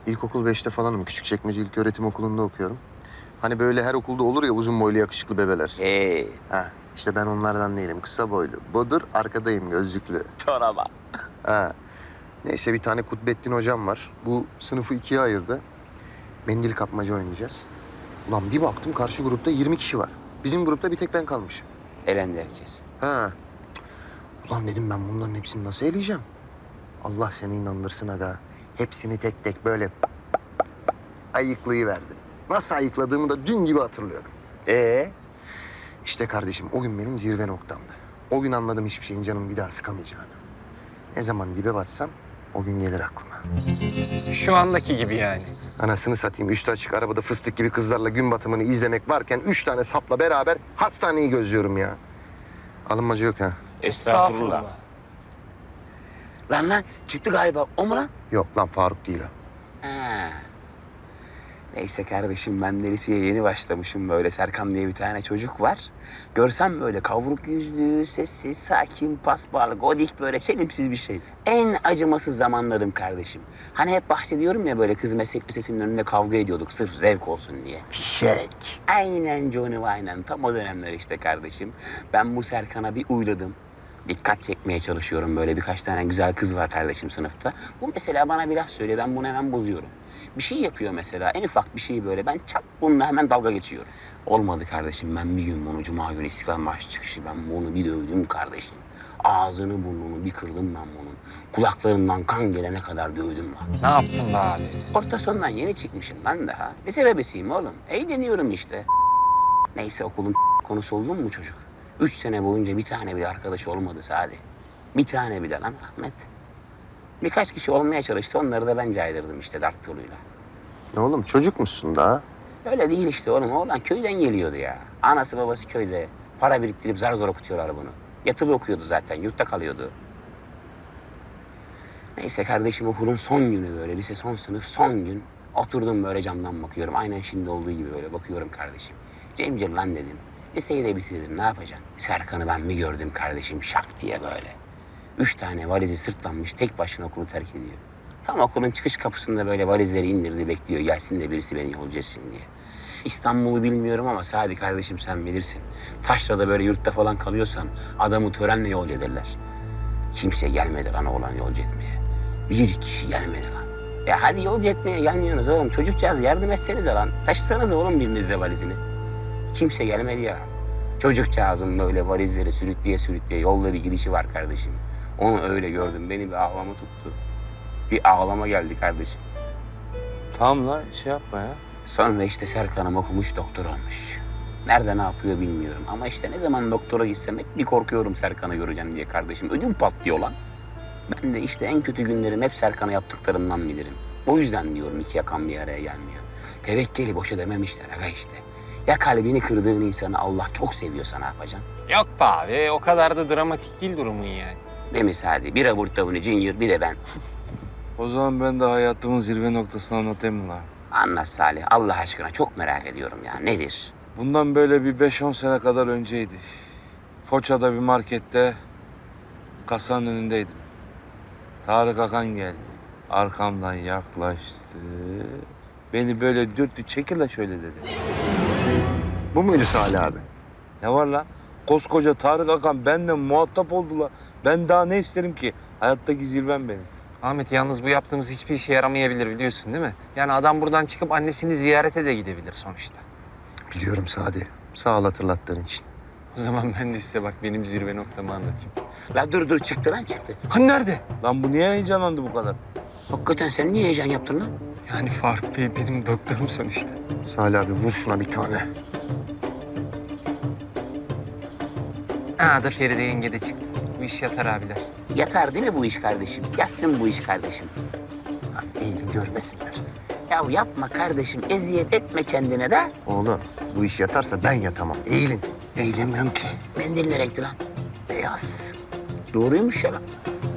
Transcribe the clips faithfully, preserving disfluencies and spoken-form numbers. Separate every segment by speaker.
Speaker 1: İlkokul beşte falanım. Küçükçekmece İlköğretim Okulu'nda okuyorum. Hani böyle her okulda olur ya uzun boylu yakışıklı bebeler.
Speaker 2: Ee,
Speaker 1: Ha, işte ben onlardan değilim. Kısa boylu. Bodur, arkadayım gözlüklü.
Speaker 2: çoraba.
Speaker 1: Ha. Neyse bir tane Kutbettin hocam var. Bu sınıfı ikiye ayırdı. Mendil kapmaca oynayacağız. Ulan bir baktım karşı grupta yirmi kişi var. Bizim grupta bir tek ben kalmışım.
Speaker 2: Elendi herkes.
Speaker 1: Ha. Cık. Ulan dedim ben bunların hepsini nasıl eleyeceğim? Allah seni inandırsın aga. Hepsini tek tek böyle ayıklayıverdim. Nasıl ayıkladığımı da dün gibi hatırlıyorum.
Speaker 2: Ee?
Speaker 1: İşte kardeşim o gün benim zirve noktamdı. O gün anladım hiçbir şeyin canımı bir daha sıkamayacağını. Ne zaman dibe batsam o gün gelir aklıma.
Speaker 3: Şu andaki gibi yani.
Speaker 1: Anasını satayım üstü açık arabada fıstık gibi kızlarla gün batımını izlemek varken üç tane sapla beraber hastaneyi gözlüyorum ya. Alınmacı yok ha.
Speaker 2: Estağfurullah. Lan lan çıktı galiba. O mu lan?
Speaker 1: Yok lan Faruk değil o.
Speaker 2: Ha. Neyse kardeşim ben de liseye yeni başlamışım böyle. Serkan diye bir tane çocuk var. Görsem böyle kavruk yüzlü, sessiz, sakin, paspal, godik böyle çelimsiz bir şey. En acımasız zamanlarım kardeşim. Hani hep bahsediyorum ya böyle kız meslek lisesinin önünde kavga ediyorduk sırf zevk olsun diye.
Speaker 1: Fişek.
Speaker 2: Aynen Johnny aynen tam o dönemler işte kardeşim. Ben bu Serkan'a bir uyladım. Dikkat çekmeye çalışıyorum böyle birkaç tane güzel kız var kardeşim sınıfta. Bu mesela bana bir laf söylüyor ben bunu hemen bozuyorum. Bir şey yapıyor mesela en ufak bir şey böyle ben çat bununla hemen dalga geçiyorum. Olmadı kardeşim ben bir gün bunu cuma günü İstiklal Marşı çıkışı ben bunu bir dövdüm kardeşim. Ağzını burnunu bir kırdım ben bunun. Kulaklarından kan gelene kadar dövdüm lan.
Speaker 3: Ne yaptın be abi?
Speaker 2: Orta sondan yeni çıkmışım ben daha. Lise bebesiyim oğlum. Eğleniyorum işte. Neyse okulun konusu oldun mu çocuk? Üç sene boyunca bir tane bile arkadaş olmadı Sadi. Bir tane bile lan Ahmet. Birkaç kişi olmaya çalıştı. Onları da ben caydırdım işte darp yoluyla.
Speaker 1: Ne oğlum çocuk musun daha?
Speaker 2: Öyle değil işte oğlum. Oğlan köyden geliyordu ya. Anası babası köyde. Para biriktirip zar zor okutuyorlar bunu. Yatılı okuyordu zaten. Yurtta kalıyordu. Neyse kardeşim okulun son günü böyle. Lise son sınıf son gün. Oturdum böyle camdan bakıyorum. Aynen şimdi olduğu gibi böyle bakıyorum kardeşim. Cemcir lan dedim. Liseyi de bitirdin ne yapacaksın? Serkan'ı ben mi gördüm kardeşim şak diye böyle. Üç tane valizi sırtlanmış tek başına okulu terk ediyor. Tam okulun çıkış kapısında böyle valizleri indirdi bekliyor. Gelsin de birisi beni yolcu etsin diye. İstanbul'u bilmiyorum ama Sadi kardeşim sen bilirsin. Taşra'da böyle yurtta falan kalıyorsan adamı törenle yolcu ederler. Kimse gelmedi lan oğlan yolcu etmeye. Bir kişi gelmedi lan. Ya hadi yolcu etmeye gelmiyorsunuz oğlum. Çocukcağız yardım etsenize lan. Taşısanız oğlum birinizle valizini. Kimse gelmedi ya. Çocukcağızın böyle valizleri sürükleye sürükleye yolda bir gidişi var kardeşim. Onu öyle gördüm. Beni bir ağlama tuttu. Bir ağlama geldi kardeşim.
Speaker 4: Tamam lan şey yapma ya.
Speaker 2: Sonra işte Serkan'ım okumuş doktor olmuş. Nerede ne yapıyor bilmiyorum. Ama işte ne zaman doktora gitsem hep bir korkuyorum Serkan'ı göreceğim diye kardeşim. Ödüm patlıyor lan. Ben de işte en kötü günlerim hep Serkan'a yaptıklarımdan bilirim. O yüzden diyorum iki yakan bir araya gelmiyor. Tevekkeli boşa dememişler aga işte. Ya kalbini kırdığın insanı Allah çok seviyorsa ne yapacaksın?
Speaker 3: Yok be abi o kadar da dramatik değil durumun yani.
Speaker 2: Değil mi Sadi? Bir Robert Downey Junior bir de ben.
Speaker 4: O zaman ben de hayatımın zirve noktasını anlatayım mı lan?
Speaker 2: Anlat Salih Allah aşkına çok merak ediyorum ya. Nedir?
Speaker 4: Bundan böyle bir beş on sene kadar önceydi. Foça'da bir markette kasanın önündeydim. Tarık Akan geldi. Arkamdan yaklaştı. Beni böyle dürttü. Çekil la şöyle dedi.
Speaker 1: Bu muydu Salih abi?
Speaker 4: Ne var lan? Koskoca Tarık Akan benimle muhatap oldular. Ben daha ne isterim ki? Hayattaki zirvem benim.
Speaker 3: Ahmet yalnız bu yaptığımız hiçbir işe yaramayabilir biliyorsun değil mi? Yani adam buradan çıkıp annesini ziyarete de gidebilir sonuçta.
Speaker 1: Biliyorum Sadi. Sağ ol hatırlattığın için.
Speaker 3: O zaman ben de size bak benim zirve noktamı anlatayım.
Speaker 2: La dur dur çıktı lan çıktı.
Speaker 3: Hani nerede?
Speaker 4: Lan bu niye heyecanlandı bu kadar?
Speaker 2: Hakikaten sen niye heyecan yaptın lan?
Speaker 3: Yani Faruk Bey benim doktorum sonuçta.
Speaker 1: Salih abi vur şuna bir tane.
Speaker 3: Aa da Feride yenge de çıktı. Bu iş yatar abiler.
Speaker 2: Yatar değil mi bu iş kardeşim? Yatsın bu iş kardeşim.
Speaker 1: Lan eğilin görmesinler.
Speaker 2: Ya yapma kardeşim eziyet etme kendine de.
Speaker 1: Oğlum bu iş yatarsa ben yatamam. Eğilin.
Speaker 2: Eğilemiyorum ki. Mendil ne renkti lan?
Speaker 1: Beyaz.
Speaker 2: Doğruymuş ya lan.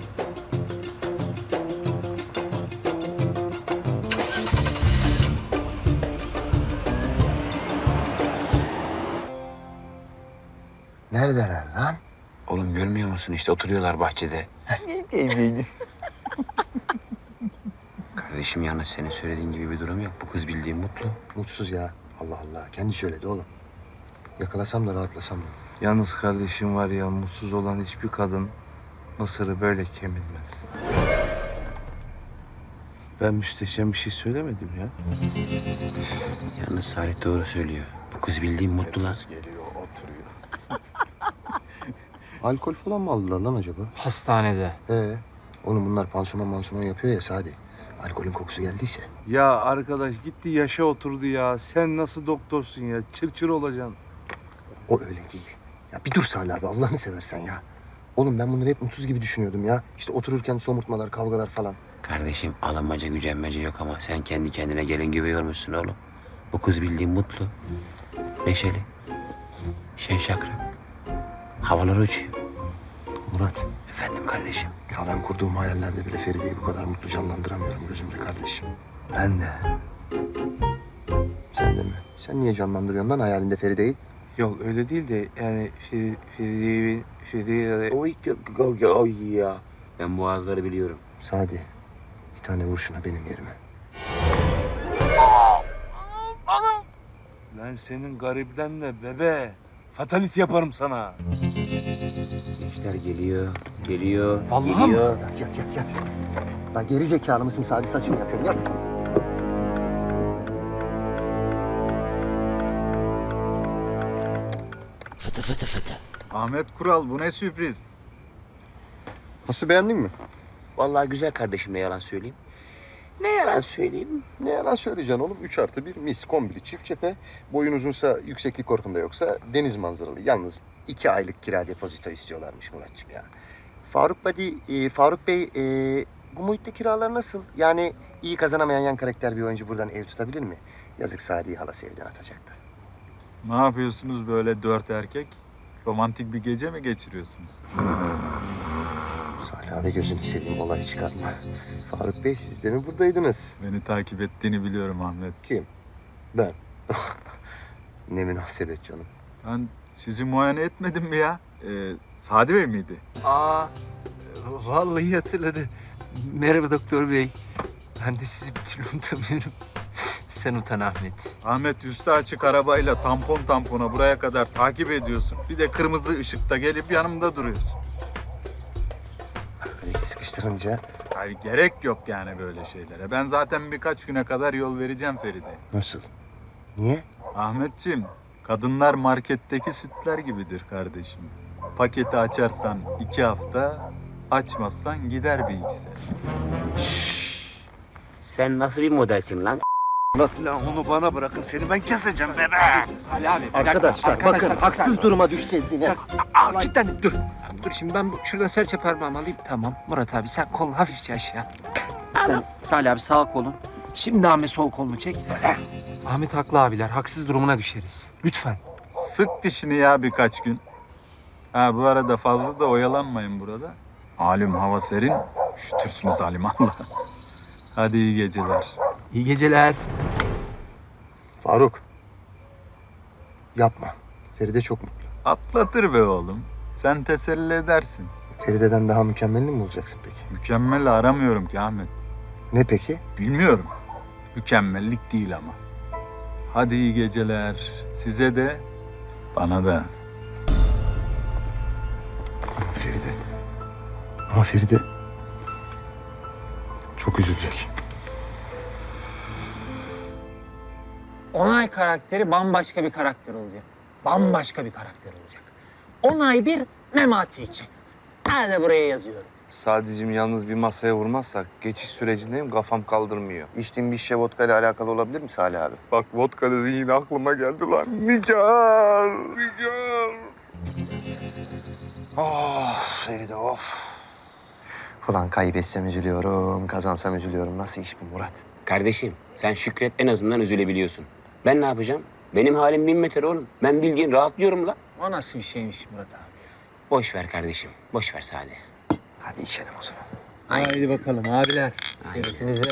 Speaker 1: Neredeler lan?
Speaker 2: Oğlum görmüyor musun işte oturuyorlar bahçede. Kardeşim yalnız senin söylediğin gibi bir durum yok. Bu kız bildiğin mutlu.
Speaker 1: Mutsuz ya. Allah Allah. Kendi söyledi oğlum. Yakalasam da rahatlasam da.
Speaker 4: Yalnız kardeşim var ya, mutsuz olan hiçbir kadın Mısır'ı böyle kemirmez. Ben müsteşem bir şey söylemedim ya.
Speaker 2: Yalnız Salih doğru söylüyor. Bu kız bildiğin mutlu lan.
Speaker 1: Alkol falan mı aldılar lan acaba?
Speaker 3: Hastanede.
Speaker 1: Ee, oğlum bunlar pansuman mansuman yapıyor ya Sadi. Alkolün kokusu geldiyse.
Speaker 4: Ya arkadaş gitti yaşa oturdu ya. Sen nasıl doktorsun ya? Çır çır olacaksın.
Speaker 1: O öyle değil. Ya bir dur Salih abi Allah'ını seversen ya. Oğlum ben bunları hep mutsuz gibi düşünüyordum ya. İşte otururken somurtmalar, kavgalar falan.
Speaker 2: Kardeşim alınmaca gücenmece yok ama sen kendi kendine gelin gibi yormuşsun oğlum. Bu kız bildiğin mutlu. Neşeli. Şen şakrak. Havalar uçuyor.
Speaker 1: Murat,
Speaker 2: Efendim kardeşim.
Speaker 1: ya ben kurduğum hayallerde bile Feride'yi bu kadar mutlu canlandıramıyorum gözümde kardeşim.
Speaker 4: Ben de.
Speaker 1: Sen de mi? Sen niye canlandırıyorsun lan hayalinde Feride'yi?
Speaker 4: Yok öyle değil de yani Feri, Feri, Feri,
Speaker 2: Oy, oy, oy ya. Ben boğazları biliyorum.
Speaker 1: Sadi, bir tane vur şuna benim yerime.
Speaker 4: Lan senin garibden de bebe. Fatalit yaparım sana.
Speaker 2: Gençler geliyor, geliyor,
Speaker 3: Vallahi mi?
Speaker 2: geliyor.
Speaker 1: Yat yat yat yat. Lan geri zekalı mısın Sadi saçını yapıyorum yat.
Speaker 2: Fıtı fıtı fıtı.
Speaker 5: Ahmet Kural bu ne sürpriz?
Speaker 1: Nasıl beğendin mi?
Speaker 2: Vallahi güzel kardeşim ne yalan söyleyeyim. Ne yalan söyleyeyim?
Speaker 1: Ne yalan söyleyeceksin oğlum. Üç artı bir mis kombili çift cephe. Boyun uzunsa yükseklik korkunda yoksa deniz manzaralı. Yalnız iki aylık kira depozito istiyorlarmış Muratçım ya. Faruk Badi, e, Faruk Bey e, bu muhitte kiralar nasıl? Yani iyi kazanamayan yan karakter bir oyuncu buradan ev tutabilir mi? Yazık Sadi'yi halası evden atacaktı.
Speaker 5: Ne yapıyorsunuz böyle dört erkek? Romantik bir gece mi geçiriyorsunuz?
Speaker 1: Salih abi gözünü seveyim olay çıkartma. Faruk Bey siz de mi buradaydınız?
Speaker 5: Beni takip ettiğini biliyorum Ahmet.
Speaker 1: Kim? Ben. Ne münasebet canım.
Speaker 5: Ben sizi muayene etmedim mi ya? Ee, Sadi Bey miydi?
Speaker 3: Aa, vallahi hatırladı. Merhaba doktor bey. Ben de sizi bir türlü unutamıyorum. Sen utan Ahmet.
Speaker 5: Ahmet üstü açık arabayla tampon tampona buraya kadar takip ediyorsun. Bir de kırmızı ışıkta gelip yanımda duruyorsun.
Speaker 1: Böyle sıkıştırınca
Speaker 5: Hayır gerek yok yani böyle şeylere. Ben zaten birkaç güne kadar yol vereceğim Feride.
Speaker 1: nasıl? Niye?
Speaker 5: Ahmetciğim, kadınlar marketteki sütler gibidir kardeşim. Paketi açarsan iki hafta, açmazsan gider bir iki sene.
Speaker 2: Sen nasıl bir modelsin lan?
Speaker 4: Lan onu bana bırakın, seni ben keseceğim bebe.
Speaker 3: Ali abi.
Speaker 1: Arkadaşlar, bakın haksız duruma düşeceğiz yine.
Speaker 3: Aa, kilitlendim dur. Dur şimdi ben bu- şuradan serçe parmağımı alayım. Tamam Murat abi sen kolunu hafifçe aşağı. Sen Salih abi sağ kolun. Şimdi Ahmet sol kolunu çek. Ahmet haklı abiler. Haksız durumuna düşeriz. Lütfen.
Speaker 5: Sık dişini ya birkaç gün. Ha bu arada fazla da oyalanmayın burada. Malum hava serin, üşütürsünüz alimallah. Hadi iyi geceler.
Speaker 3: İyi geceler.
Speaker 1: Faruk. Yapma. Feride çok mutlu.
Speaker 5: Atlatır be oğlum. Sen teselli edersin.
Speaker 1: Feride'den daha mükemmelini mi bulacaksın peki?
Speaker 5: Mükemmel aramıyorum ki Ahmet.
Speaker 1: Ne peki?
Speaker 5: Bilmiyorum. Mükemmellik değil ama. Hadi iyi geceler. Size de, bana da.
Speaker 1: Ama Feride. Ama Feride çok üzülecek.
Speaker 6: Onay karakteri bambaşka bir karakter olacak. Bambaşka bir karakter olacak. Onay bir, Memati iki. Ben de buraya yazıyorum.
Speaker 4: Sadicim yalnız bir masaya vurmazsak geçiş sürecindeyim, kafam kaldırmıyor.
Speaker 1: İçtiğin bir şişe vodka ile alakalı olabilir mi Salih abi?
Speaker 4: Bak vodka dedi yine aklıma geldi lan. Nigar, Nigar.
Speaker 1: Of Feride of. Ulan kaybetsem üzülüyorum, kazansam üzülüyorum. Nasıl iş bu Murat?
Speaker 2: Kardeşim sen şükret en azından üzülebiliyorsun. Ben ne yapacağım? Benim halim bin metre oğlum. Ben bildiğin rahatlıyorum la.
Speaker 6: O nasıl bir şeymiş Murat abi?
Speaker 2: Boş ver kardeşim. Boş ver Sadi.
Speaker 1: Hadi içelim o zaman.
Speaker 6: Haydi bakalım abiler. Şerefinize.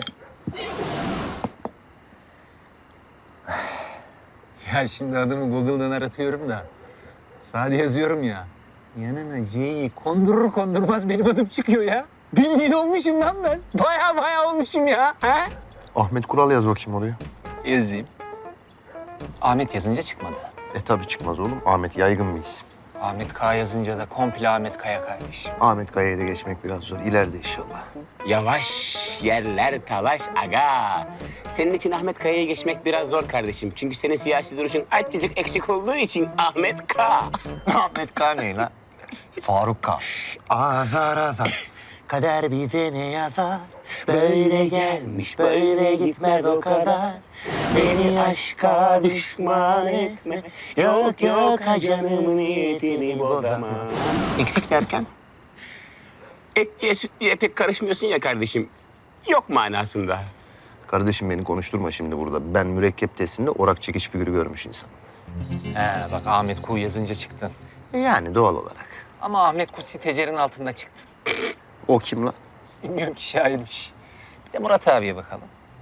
Speaker 6: Ya şimdi adımı Google'dan aratıyorum da. Sade yazıyorum ya. Yanına C'yi kondurur kondurmaz benim adım çıkıyor ya. Bildiğin olmuşum lan ben. Baya baya olmuşum ya. He?
Speaker 1: Ahmet Kural yaz bakayım oraya.
Speaker 3: Yazayım. Ahmet yazınca çıkmadı.
Speaker 1: E tabii çıkmaz oğlum. Ahmet yaygın bir isim.
Speaker 3: Ahmet K yazınca da komple Ahmet Kaya kardeşim.
Speaker 1: Ahmet Kaya'yı da geçmek biraz zor. İleride inşallah.
Speaker 2: Yavaş yerler talaş aga. Senin için Ahmet Kaya'yı geçmek biraz zor kardeşim. Çünkü senin siyasi duruşun azıcık eksik olduğu için Ahmet K.
Speaker 1: Ahmet K ne lan? Faruk K. Azar azar. Kader bize ne yazar?
Speaker 2: Böyle gelmiş, böyle gitmez o kadar. Beni aşka düşman etme. Yok yok ha canım niyetini bozama.
Speaker 1: Eksik derken?
Speaker 2: Et diye süt diye pek karışmıyorsun ya kardeşim. Yok manasında.
Speaker 1: Kardeşim beni konuşturma şimdi burada. Ben mürekkep testinde orak çekiş figürü görmüş insan.
Speaker 3: He bak Ahmet Ku yazınca çıktın.
Speaker 1: E yani doğal olarak.
Speaker 3: Ama Ahmet Ku sitecerin altında çıktın.
Speaker 1: O kim lan?
Speaker 3: Bilmiyorum ki şairmiş. Bir de Murat abiye bakalım.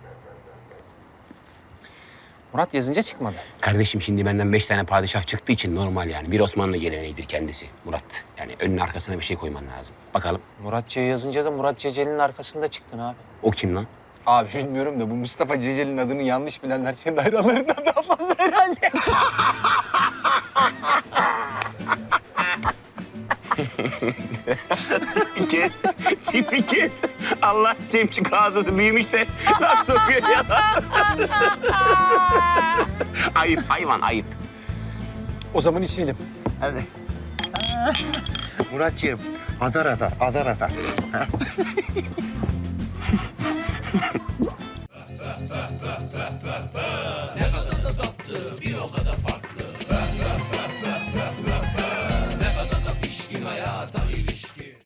Speaker 3: Murat yazınca çıkmadı.
Speaker 2: Kardeşim şimdi benden beş tane padişah çıktığı için normal yani. Bir Osmanlı geleneğidir kendisi Murat. Yani önüne arkasına bir şey koyman lazım. Bakalım
Speaker 3: Murat C yazınca da Murat Ceceli'nin arkasında çıktın abi.
Speaker 2: o kim lan?
Speaker 3: Abi bilmiyorum da bu Mustafa Ceceli'nin adını yanlış bilenler senin hayranlarından daha fazla herhalde.
Speaker 2: Bir kez, bir kez. Allah Cemçik ağzısı büyümüş de laf sokuyor ya. Ayıp hayvan ayıp.
Speaker 3: O zaman içelim.
Speaker 1: Hadi. Muratcığım, adar adar, adar adar.